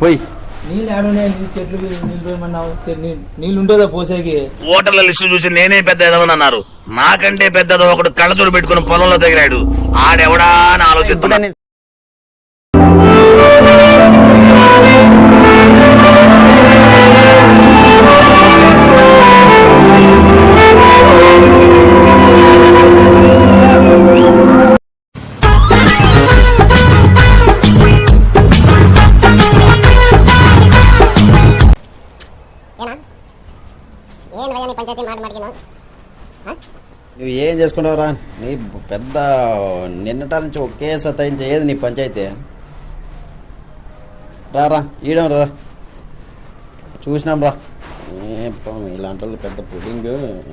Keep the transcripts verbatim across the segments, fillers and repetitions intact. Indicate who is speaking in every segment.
Speaker 1: పోయి
Speaker 2: నీళ్ళు ఆడున్నాయి, నీ చెట్లు నీళ్ళు పోయమన్నావు. నీళ్ళు ఉంటుందా పోసేకి?
Speaker 3: ఓటర్ల లిస్టు చూసి నేనే పెద్ద ఎదవనన్నారు. నాకంటే పెద్దదో ఒకడు కళ్ళజోడు పెట్టుకుని పొలంలో తగిలాడు. ఆడెవడా అని ఆలోచిస్తున్నా.
Speaker 1: నువ్వు ఏం చేసుకుంటావురా? నీ పెద్ద నిన్నటాల నుంచి ఒకే సతాయించి ఏది నీ పంచాయతీ? రారా ఈయడం రా, చూసినాం రా. ఇలాంటి వాళ్ళు పెద్ద పుడింగ్.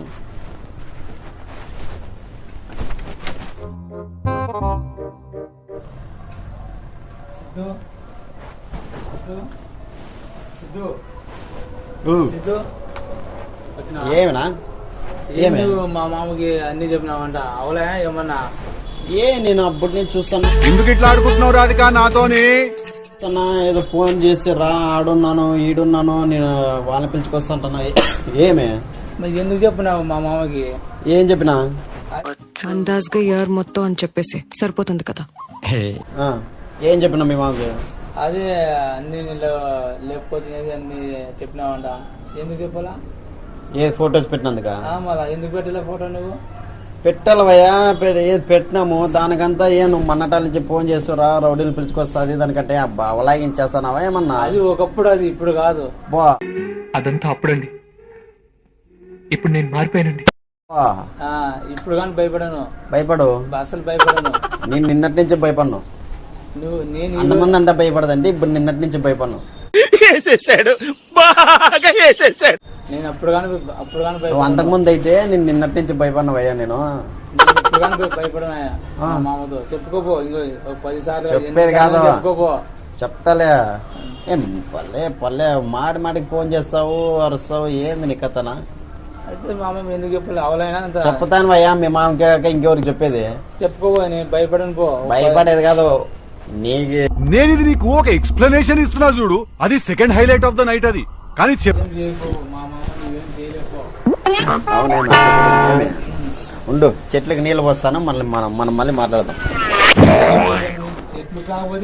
Speaker 1: ఏమన్నా
Speaker 2: ఏమి మా మామకి అన్ని చెప్పినావంట? అవలే ఏమన్నా?
Speaker 1: ఏ నేను అప్పటి నుంచి చూస్తాను.
Speaker 4: ఎందుకు ఇట్లా ఆడుకుంటున్నావు రాధిక నాతోని?
Speaker 1: ఏదో ఫోన్ చేసి రా, ఆడున్నాను ఈడున్నాను, నేను వాళ్ళని పిలుచుకొస్తాంటున్నా. ఏమే
Speaker 2: మరి ఎందుకు చెప్పినావు మా మామకి?
Speaker 1: ఏం చెప్పినా?
Speaker 5: అందాజ్గా ఇయర్ మొత్తం అని చెప్పేసి సరిపోతుంది కదా.
Speaker 1: ఏం చెప్పినా మీ మామకి?
Speaker 2: అదే అన్ని లేకపోతే అన్ని చెప్పినావంట. ఎందుకు చెప్పాలా?
Speaker 1: ఏ ఫొటోస్ పెట్టినందుక?
Speaker 2: మళ్ళా ఎందుకు పెట్టలే ఫోటో? నువ్వు
Speaker 1: పెట్టాలవయ్యా, ఏది పెట్టినాము దానికంతా ఏ నువ్వు మన్నటాల నుంచి ఫోన్ చేస్తురా, రౌడీలు పిలుచుకొస్తుంది దానికంటే అబ్బా అవలాగించేస్తానావా ఏమన్నా?
Speaker 2: అది ఒకప్పుడు, అది ఇప్పుడు కాదు.
Speaker 1: బా
Speaker 6: అదంతా అప్పుడండి, ఇప్పుడు నేను మారిపోయానండి.
Speaker 2: ఇప్పుడు కానీ భయపడను.
Speaker 1: భయపడు?
Speaker 2: అసలు భయపడను.
Speaker 1: నేను నిన్నటి నుంచి భయపడను.
Speaker 2: నువ్వు నేను
Speaker 1: అంతమంది అంతా భయపడదండి, ఇప్పుడు నిన్నటి నుంచి భయపడను.
Speaker 3: వేసేసాడు, బాగా వేసేసాడు.
Speaker 2: నేను అప్పుడు కానీ అప్పుడు కానీ
Speaker 1: నువ్వు అంతకుముందు అయితే నేను నిన్నటి నుంచి భయపడినవయ్యా. నేను
Speaker 2: ఇప్పుడు కానీ భయపడనయ్యా. మామతో చెప్పుకోపో, ఇంకో పది సార్లు
Speaker 1: చెప్పేది కాదు,
Speaker 2: చెప్పుకోపో.
Speaker 1: చెప్తాలే. ఏం పల్లె పల్లె మాటి మాటికి ఫోన్ చేస్తావు, అరుస్తావు, ఏంది నీ కథనా?
Speaker 2: అయితే మా అమ్మ ఎందుకు చెప్పలే? అవలైనా
Speaker 1: చెప్తాను అయ్యా, మీ మామకి ఇంకెవరికి చెప్పేది?
Speaker 2: చెప్పుకోబో, నేను భయపడను. పో.
Speaker 1: భయపడేది కాదు నీకు.
Speaker 4: నేను ఇది నీకు ఒక ఎక్స్ప్లెనేషన్ ఇస్తున్నా చూడు, అది second highlight of the night. అది కానీ చెప్పు.
Speaker 1: అవునే ఉండు, చెట్లకి నీళ్ళు పోస్తాను, మళ్ళీ మనం మనం మళ్ళీ మాట్లాడదాం.
Speaker 2: చెట్లు కాకపోతే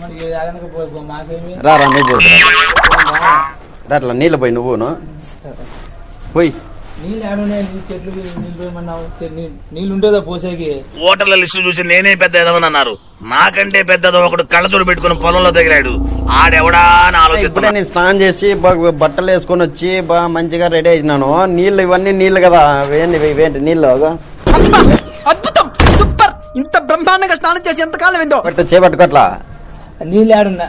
Speaker 1: రా రా నువ్వు పోయి రా, అట్లా నీళ్ళు పోయి నువ్వును పోయి.
Speaker 2: నీళ్ళు ఆడున్నాయి, నీ చెట్లు నీళ్ళు పోయమన్నావు. నీళ్ళు ఉంటుందా పోసేకి?
Speaker 3: ఓటర్ల లిస్టు చూసి నేనే పెద్ద ఎదవనన్నారు. నాకంటే పెద్దదో ఒకడు కళ్ళజోడు పెట్టుకుని పొలంలో తగిలాడు. ఆడెవడా అని ఆలోచిస్తున్నా.
Speaker 1: నేను స్నానం చేసి బాగా బట్టలు వేసుకొని వచ్చి బాగా మంచిగా రెడీ అయినాను. నీళ్ళు ఇవన్నీ నీళ్ళు కదా, వేయండి వేయండి నీళ్ళు.
Speaker 7: అద్భుతం, సూపర్. ఇంత బ్రహ్మాండంగా స్నానం చేసి ఎంత కాలం ఏందో.
Speaker 1: చేపట్టుకోట్లా
Speaker 2: నీళ్ళు ఆడున్నా?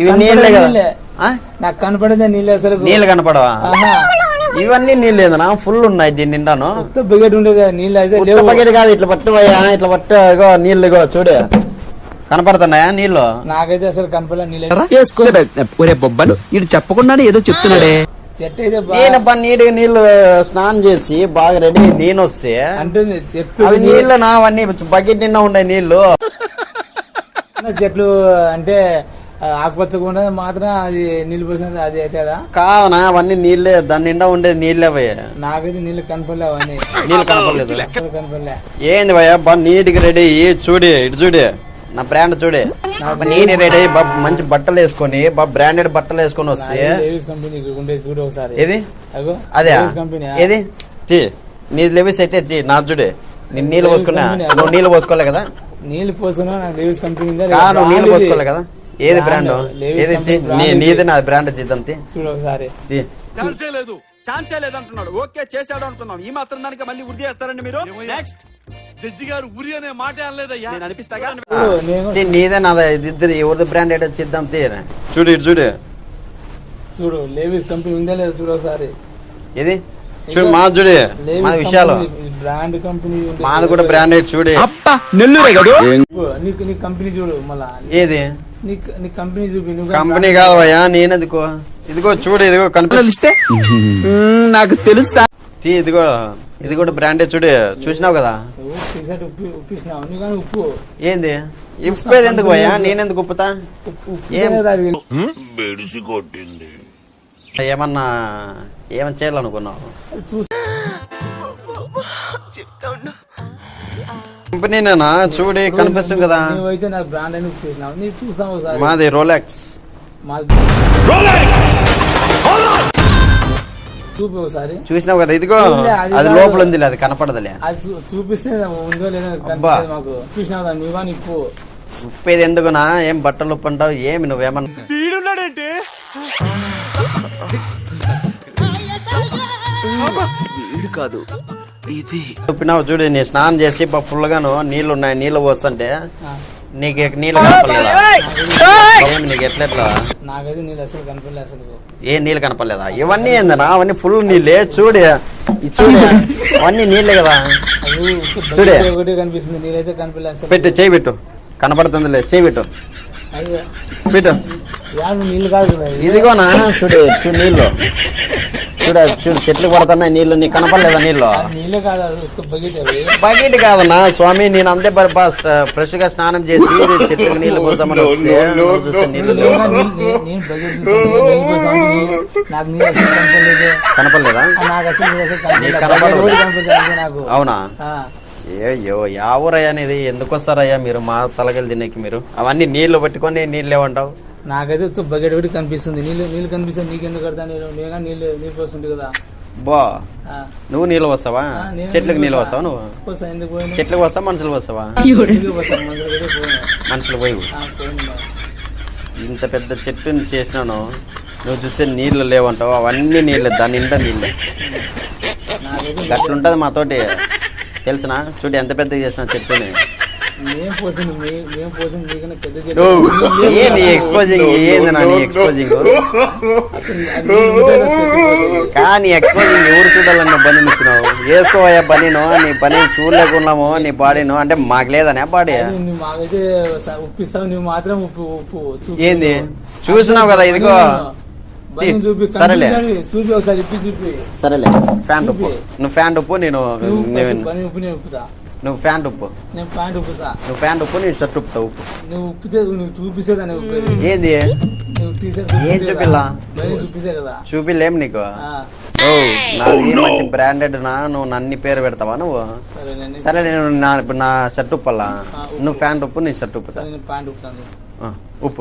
Speaker 2: నాకు కనపడేదే నీళ్ళు. అసలు
Speaker 1: నీళ్ళు కనపడవా? ఇవన్నీ నీళ్ళు ఏదన్నా ఫుల్ ఉన్నాయి దీని నిండాను.
Speaker 2: బకెట్ ఉండేది నీళ్ళు. అయితే
Speaker 1: బకెట్ కాదు, ఇట్లా పట్టువయ్యా, ఇట్లా పట్టు. ఇగో నీళ్ళు, ఇగో చూడు కనపడుతున్నాయా నీళ్ళు?
Speaker 2: నాకైతే అసలు కనపడలే నీళ్ళు.
Speaker 7: బొబ్బలు ఇటు చెప్పకుండానే ఏదో చెప్తున్నాడే.
Speaker 2: చెట్టు అయితే
Speaker 1: నేనబ్బా నీటిగా నీళ్ళు స్నానం చేసి బాగా రెడీ నేను వస్తే
Speaker 2: అంటుంది చెట్టు.
Speaker 1: అవి నీళ్ళు నా అవన్నీ బకెట్ నిండా ఉన్నాయి నీళ్ళు.
Speaker 2: చెట్లు అంటే ఆకుపచ్చకుండా మాత్రం అది నీళ్ళు పోసినది అది అవుతుందా?
Speaker 1: కాదనా, అవన్నీ నీళ్ళే, దాని నిండా ఉండేది నీళ్ళే భయ్య.
Speaker 2: నాకైతే నీళ్ళు కనపడలే, అవన్నీ
Speaker 1: నీళ్ళు కనపడలేదు.
Speaker 2: కనపడలే.
Speaker 1: ఏంది భయ్య బా నీటికి రెడీ చూడి, ఇటు చూడి నా బ్రాండ్ చూడే. నేను రెడీ బాబు మంచి బట్టలు వేసుకొని బాబు బ్రాండెడ్ బట్టలు వేసుకొని వస్తే
Speaker 2: చూడు ఒకసారి.
Speaker 1: ఏది అదే ఏది తీ నీ లెవీస్ అయితే తీ నా చూడే. నేను నీళ్ళు పోసుకున్నా, నువ్వు నీళ్ళు పోసుకోలే కదా?
Speaker 2: నీళ్ళు పోసుకున్నా నాకు లెవీస్ కంపెనీ
Speaker 1: నువ్వు నీళ్ళు పోసుకోలే కదా? ఏది బ్రాండ్? ఏది నీది నా బ్రాండ్ చేద్దాం
Speaker 2: చూడు ఒకసారి.
Speaker 7: ఛాన్సే లేదు, ఛాన్సే లేదు అంటున్నాడు. ఓకే చేశాడు అనుకున్నాం, ఈ మాత్రం దానికి మళ్ళీ ఉరి చేస్తారండి మీరు. నెక్స్ట్
Speaker 4: జడ్జి గారు ఉరి అనే మాట అనలేదయ్యా.
Speaker 7: నేను అనిపిస్తాగా
Speaker 1: నీదే నాదా? ఇద్దరు ఎవరిది బ్రాండ్ ఏదో చేద్దాం తీ. చూడు ఇటు చూడు
Speaker 2: చూడు లేవీస్ కంపెనీ ఉందా లేదా చూడు ఒకసారి.
Speaker 1: ఏది చూడు మా చూడే మా విషయాలు
Speaker 2: బ్రాండ్ కంపెనీ
Speaker 1: మాది కూడా బ్రాండెడ్ చూడే.
Speaker 7: అప్ప నెల్లూరే కదా
Speaker 2: నీకు నీ కంపెనీ చూడు మళ్ళా.
Speaker 1: ఏది
Speaker 2: నీ కంపెనీ చూపి.
Speaker 1: కంపెనీ కాదయ్యా, నేనదిగో ఇదిగో చూడు, ఇదిగో కనిపిస్తే
Speaker 7: నాకు తెలుసా.
Speaker 1: ఇదిగో ఇది కూడా బ్రాండెడ్ చూడు, చూసినావు కదా?
Speaker 2: ఉప్పు ఏంది
Speaker 1: ఇప్పేది ఎందుకు పోయా నేనెందుకు ఉప్పుతా ఏం
Speaker 3: బెడిసి కొట్టింది.
Speaker 1: ఏమన్నా ఏమన్నా చేయాలనుకున్నావు కంపెనీనేనా చూడి కనిపిస్తుంది కదా.
Speaker 2: నువ్వైతే నాకు బ్రాండ్ అని చూసినావు, నీ చూసావు ఒకసారి.
Speaker 1: మాది రోలెక్స్.
Speaker 2: మాది చూపి ఒకసారి.
Speaker 1: చూసినావు కదా ఇదిగో
Speaker 2: చూడలే, అది
Speaker 1: అది
Speaker 2: కాదు.
Speaker 1: లోపల ఉంది అది కనపడదులే.
Speaker 2: అది చూ- చూపిస్తే ఉందో లేదో
Speaker 1: అబ్బా.
Speaker 2: కనిపిస్తుంది మాకు. చూసినావు కదా నువ్వా నిప్పు.
Speaker 1: ఉప్పేది ఎందుకునా ఏం బట్టలు ఉప్పు అంటావు ఏమి నువ్వేమన్నా
Speaker 6: వీడు కాదు ఇది.
Speaker 1: ఉప్పినావు చూడు నీ స్నానం చేసి ఫుల్ గాను నీళ్లు ఉన్నాయి నీళ్లు పోస్తుంటే నీకు నీళ్ళు కనపడలేదా ఏమి నీకు ఎట్లెట్లా
Speaker 2: నాకైతే నీళ్ళు అసలు కనపడలే అసలు.
Speaker 1: ఏ నీళ్ళు కనపడలేదా ఇవన్నీ ఏందనా అవన్నీ ఫుల్ నీళ్ళే చూడు ఇది చూడు అవన్నీ నీళ్ళే కదా.
Speaker 2: అది
Speaker 1: చూడే.
Speaker 2: ఒకటే కనిపిస్తుంది, నీళ్ళైతే కనపడలే అసలు.
Speaker 1: పెట్టు చేయి పెట్టు కనపడుతుందిలే చేయి పెట్టు
Speaker 2: అయ్యో
Speaker 1: పెట్టు
Speaker 2: యాభై నీళ్ళు కాదు కదా ఇది.
Speaker 1: ఇదిగోనా చూడు చూడు నీళ్ళు చూడ చూడు చెట్లు పడుతున్నాయి నీళ్ళు నీకు కనపడలేదా నీళ్ళు
Speaker 2: అది నీళ్ళే కాదు, అది ఉత్త బకెట్ అవి.
Speaker 1: బకెట్ కాదన్నా స్వామి నేను అంతే ఫ్రెష్ గా స్నానం చేసి చెట్లకు నీళ్లు పోసామని వస్తే నువ్వు చూస్తే నీళ్ళు లేవు.
Speaker 2: నేను నేను- నేను బకెట్ చూసాను, నీళ్ళు పోసాను, నీ- నాకు నీళ్ళు అసలు కనపడలేదు.
Speaker 1: కనపడలేదా
Speaker 2: ఆ, నాకు అసలు నీళ్ళు అసలు కనపడలేదు.
Speaker 1: నీకు కనపడదు.
Speaker 2: బకెట్ కూడా కనపడలేదు నాకు.
Speaker 1: అవునా
Speaker 2: ఆ,
Speaker 1: అయ్యో యా ఊరయ్యా అనేది ఎందుకు వస్తారయ్యా మీరు మా తలకెళ్ళి తినేకి మీరు అవన్నీ నీళ్లు పట్టుకొని నీళ్ళు లేవంటావు.
Speaker 2: నాకైతే ఉత్త బకెట్ ఒకటి కనిపిస్తుంది, నీళ్ళు నీళ్ళు కనిపిస్తుంది. నీకెందుకు కడతా నేను నేను నీళ్ళు నీళ్ళు పోస్తుంటే కదా.
Speaker 1: బా
Speaker 2: ఆ,
Speaker 1: నువ్వు నీళ్ళు వస్తావా
Speaker 2: ఆ, నేను
Speaker 1: చెట్లకు నీళ్ళు
Speaker 2: పోసా.
Speaker 1: వస్తావా నువ్వు
Speaker 2: పోసా, ఎందుకు పోయినా?
Speaker 1: చెట్లకు వస్తావా మనుషులు వస్తావా
Speaker 2: నీళ్ళు పోసా, మందులు కూడా పోయినా.
Speaker 1: మనుషులు పోయి
Speaker 2: ఆ, పోయిందా.
Speaker 1: ఇంత పెద్ద చెట్టుని చేసినాను నువ్వు చూస్తే నీళ్ళు లేవంటావు అవన్నీ నీళ్ళే దాని నిండా నీళ్ళే
Speaker 2: నాకైతే
Speaker 1: గట్లుంటది మాతోటి తెలిసిన చూడు ఎంత పెద్దగా చేసిన చెట్టుని
Speaker 2: నేను పోసింది మీ- నేను పోసింది నీకన్నా పెద్ద చెట్టు.
Speaker 1: నువ్వు ఏ నీ ఎక్స్పోజింగ్ ఏంది నా నీ ఎక్స్పోజింగ్
Speaker 2: అసలు అది నీళ్ళు ఉంటే కదా చెట్టు పోసేది.
Speaker 1: కానీ ఎక్స్పోజింగ్ ఎవరు చూడాలన్న పని నిచ్చినావు వేసుకోవయ్యా పనిను నీ పని చూడలేకున్నాము నీ బాడీను అంటే మాకు లేదనే బాడీ
Speaker 2: అది నువ్వు మాకైతే స- ఉప్పిస్తావు, నువ్వు మాత్రం ఉప్పు ఉప్పు చూపి.
Speaker 1: ఏంది చూసినావు కదా ఇదిగో
Speaker 2: బన్నీ చూపి,
Speaker 1: సరేలే.
Speaker 2: కనిపించని చూపి ఒకసారి ఇప్పి చూపి.
Speaker 1: సరేలే ప్యాంట్ ఉప్పు నువ్వు ప్యాంట్ ఉప్పు నేను
Speaker 2: నువ్వు
Speaker 1: నేను-
Speaker 2: పని ఉప్పు నేను ఉప్పుతా.
Speaker 1: నువ్వు ప్యాంట్ ఉప్పు
Speaker 2: నేను ప్యాంట్ ఉప్పుతా.
Speaker 1: నువ్వు ప్యాంట్ ఉప్పు నేను షర్ట్ ఉప్పుతా ఉప్పు
Speaker 2: నువ్వు ఉప్పితే నువ్వు చూపిస్తే దాన్ని ఉప్పేది.
Speaker 1: ఏంది
Speaker 2: నువ్వు టీషర్ట్
Speaker 1: ఏం
Speaker 2: చూపిస్తే
Speaker 1: చూపిల్లా?
Speaker 2: కదా. బన్నీ చూపిస్తే కదా.
Speaker 1: చూపిలేం నీకు
Speaker 2: ఆ,
Speaker 1: ఓ నాది మంచి బ్రాండెడ్ నా నువ్వు నన్ని పేరు పెడతావా నువ్వు
Speaker 2: సరే నేను
Speaker 1: సరే నేను నా ఇప్పుడు నా షర్ట్ ఉప్పల్లా
Speaker 2: ఆ, ఉప్పు.
Speaker 1: నువ్వు ప్యాంట్ ఉప్పు నీ షర్ట్ ఉప్పుతా
Speaker 2: సరే నేను ప్యాంట్ ఉప్పుతాను.
Speaker 1: ఆ, ఉప్పు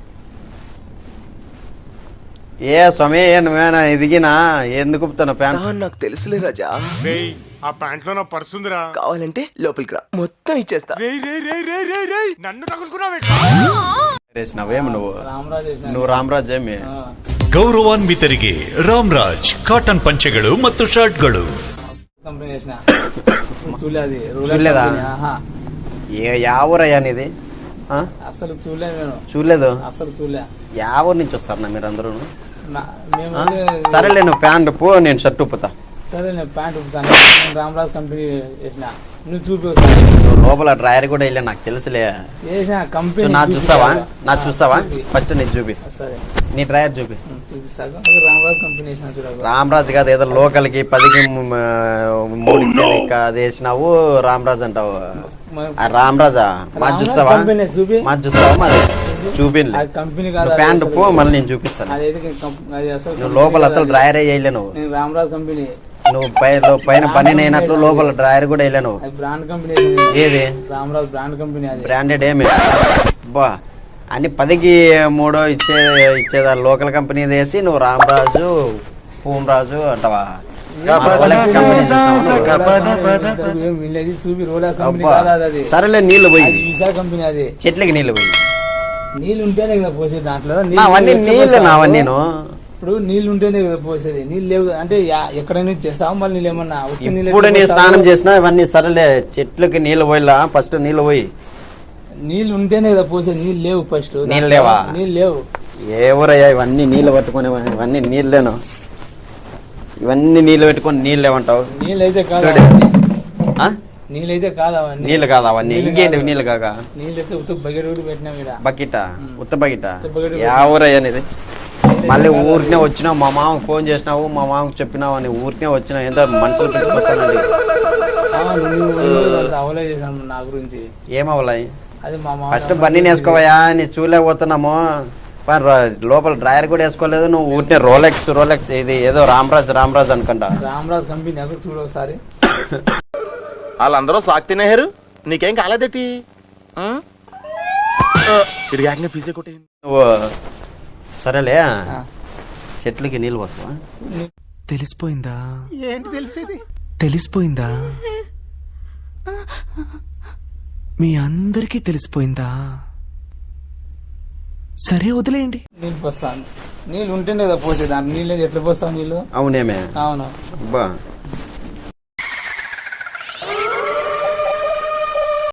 Speaker 1: ఏ స్వామి ఏ నువ్వేనా ఎదిగినా ఎందుకు ఉప్పుతాను ప్యాంట్
Speaker 6: నాకు తెలుసులే రాజా.
Speaker 4: ఆ ప్యాంట్ లో నా పర్స్ ఉందిరా.
Speaker 6: కావాలంటే లోపలికి రా, మొత్తం ఇచ్చేస్తా.
Speaker 4: రేయ్ రేయ్ రేయ్ రేయ్ రేయ్ రేయ్ నన్ను తగులుకున్నావు.
Speaker 1: వేసినావేమి నువ్వు
Speaker 2: రామరాజు వేసిన.
Speaker 1: నువ్వు ರಾಮರಾಜ್ ಏಮಿ
Speaker 2: ಆ,
Speaker 8: ಗೌರವಾನ್ವಿತರಿಗೆ ರಾಮ್ರಾಜ್ ಕಾಟನ್ ಪಂಚೆಗಳು ಮತ್ತು ಶರ್ಟ್ಗಳು.
Speaker 2: కంపెనీ వేసిన. చూలే అది రూలర్స్
Speaker 1: చూడలేదా?
Speaker 2: కంపెనీ. ఆహా.
Speaker 1: ఏ యావూరయ్యా నీది ఆ?
Speaker 2: అసలు చూలే నేను,
Speaker 1: చూడలేదు
Speaker 2: అసలు చూలే.
Speaker 1: యావూరు నుంచి వస్తారన్నా మీరు అందరూ
Speaker 2: నా- మేము వెళ్ళే-
Speaker 1: సరేలే నువ్వు ప్యాంట్ ఉప్పు నేను షర్ట్ ఉప్పుతా
Speaker 2: సరే నేను ప్యాంట్ ఉప్పుతాను. నేను రామరాజ్ కంపెనీ వేసిన. నువ్వు చూపి ఒకసారి.
Speaker 1: నువ్వు లోపల డ్రాయర్ కూడా వెళ్ళా నాకు తెలుసులే
Speaker 2: వేసిన కంపెనీ
Speaker 1: నా
Speaker 2: చూపి
Speaker 1: చూస్తావా
Speaker 2: కదా.
Speaker 1: నా
Speaker 2: ఆ,
Speaker 1: చూస్తావా
Speaker 2: చూపి.
Speaker 1: ఫస్ట్ నీకు చూపి
Speaker 2: సరే
Speaker 1: నీ డ్రాయర్ చూపి
Speaker 2: ఉమ్, చూపిస్తాను. ఒక రామరాజ్ కంపెనీ వేసిన చూడకు.
Speaker 1: రామరాజు కాదు ఏదో లోకల్ కి పదికి మ- మూడు ఇచ్చేది ఇంకా అది వేసినావు రామరాజు అంటావు
Speaker 2: మ-
Speaker 1: ఆ రామరాజా మా
Speaker 2: రామరాజ్
Speaker 1: చూస్తావా
Speaker 2: కంపెనీ చూపి.
Speaker 1: మా చూస్తావా మరి చూపిలే
Speaker 2: అది కంపెనీ కాదు,
Speaker 1: నువ్వు
Speaker 2: అది
Speaker 1: ప్యాంట్
Speaker 2: అసలు-
Speaker 1: ఉప్పు మళ్ళీ నేను చూపిస్తాను
Speaker 2: అదైతే కంప్- అది అసలు
Speaker 1: నువ్వు
Speaker 2: కంపెనీ
Speaker 1: లోపల
Speaker 2: కాదు
Speaker 1: అసలు
Speaker 2: అది.
Speaker 1: డ్రాయర్ వేయలే నువ్వు
Speaker 2: నేను రామరాజ్ కంపెనీ.
Speaker 1: నువ్వు పై లో- పైన పని అయినట్లు లోపల డ్రాయర్ కూడా వేయలే నువ్వు
Speaker 2: అది బ్రాండ్ కంపెనీ వేసిన.
Speaker 1: ఏది
Speaker 2: రామరాజ్ బ్రాండ్ కంపెనీ అది.
Speaker 1: బ్రాండెడ్ ఏమి బా అని పదికి మూడో ఇచ్చే ఇచ్చేదా లోకల్ కంపెనీ వేసి నువ్వు రామరాజు పూమరాజు అంటావా మా రోలెక్స్ కంపెనీ చూసినావా నువ్వు?
Speaker 2: ఏం వీళ్ళది చూపి రోలర్స్ కంపెనీ
Speaker 1: అబ్బా.
Speaker 2: కాదు అది. అది
Speaker 1: సరేలే నీళ్లు పోయి
Speaker 2: అది వీసా కంపెనీ అది.
Speaker 1: చెట్లకి నీళ్లు పోయి
Speaker 2: నీళ్ళు ఉంటేనే కదా పోసేది దాంట్లో.
Speaker 1: నా
Speaker 2: నీళ్ళు
Speaker 1: అవన్నీ
Speaker 2: ఎట్లా
Speaker 1: నీళ్ళు
Speaker 2: పోస్తావు?
Speaker 1: నావన్నీ
Speaker 2: ఇప్పుడు నీళ్ళు ఉంటేనే కదా పోసేది. నీళ్ళు లేవు అంటే యా- ఎక్కడైనా చేస్తావు మళ్ళీ నీళ్ళు ఏమన్నా ఉత్తి నీళ్ళు
Speaker 1: ఇప్పుడు
Speaker 2: ఎట్లా
Speaker 1: నీ
Speaker 2: పోస్తావు?
Speaker 1: స్నానం చేసినా ఇవన్నీ సరేలే చెట్లకి నీళ్లు పోయిలా ఫస్ట్ నీళ్లు పోయి
Speaker 2: నీళ్ళు ఉంటేనే కదా పోసేది. నీళ్ళు లేవు ఫస్ట్.
Speaker 1: నీళ్ళు లేవా?
Speaker 2: నీళ్ళు లేవు.
Speaker 1: ఎవరయ్యా ఇవన్నీ నీళ్ళు పట్టుకునే ఇవన్నీ నీళ్ళేను ఇవన్నీ నీళ్ళు పెట్టుకొని నీళ్ళు లేవంటావు
Speaker 2: నీళ్ళు అయితే కాదు
Speaker 1: చూడు.
Speaker 2: అవన్నీ.
Speaker 1: ఆ?
Speaker 2: నీళ్ళు అయితే కాదు అవన్నీ.
Speaker 1: నీళ్ళు కాదు అవన్నీ
Speaker 2: నీళ్ళు
Speaker 1: ఇంకేంటి
Speaker 2: కాదు.
Speaker 1: నీళ్ళు కాక
Speaker 2: నీళ్ళు అయితే ఉత్త బకెట్ కూడా పెట్టినాం ఇక్కడ.
Speaker 1: బకెట ఉత్త బకెట
Speaker 2: ఉత్త బకెట్
Speaker 1: ఎవరయ్యా నీది మళ్ళీ ఊరికే వచ్చినావు మా మామకు ఫోన్ చేసినావు మా మామకు చెప్పినావు అని ఊరికే వచ్చినావు ఏందో మనుషులు పెట్టుకొస్తానండి
Speaker 2: ఆ, నువ్వు నువ్వు అంత అవలే చేశాను నా గురించి.
Speaker 1: ఏమవ్వాలి
Speaker 2: అది మా మామ
Speaker 1: ఫస్ట్ బన్నీని వేసుకోవయా నీ చూలేకపోతున్నాము పా, ర- లోపల డ్రాయర్ కూడా వేసుకోలేదు నువ్వు ఊరినే రోలెక్స్ రోలెక్స్ ఇది ఏదో రామరాజ్ రామరాజ్ అనుకుంటా
Speaker 2: రామరాజ్ కంపెనీ అక్కడ చూడు ఒకసారి.
Speaker 9: వాళ్ళందరూ సాక్ తినేహారు నీకేం కాలేదేటి తిరిగాక పీసే కొట్టే
Speaker 1: నువ్వు సరేలే
Speaker 2: ఆ.
Speaker 1: చెట్లకి నీళ్ళు వస్తావా
Speaker 6: తెలిసిపోయిందా ఏంటి తెలిసేది తెలిసిపోయిందా మీ అందరికీ తెలిసిపోయిందా సరే వదిలేయండి.
Speaker 2: నీళ్ళు పోస్తాను. నీళ్ళు ఉంటేనే కదా పోసేది, దాంట్లో నీళ్ళు ఎట్లా పోస్తావు నీళ్ళు?
Speaker 1: అవునేమే
Speaker 2: అవును.
Speaker 1: అబ్బా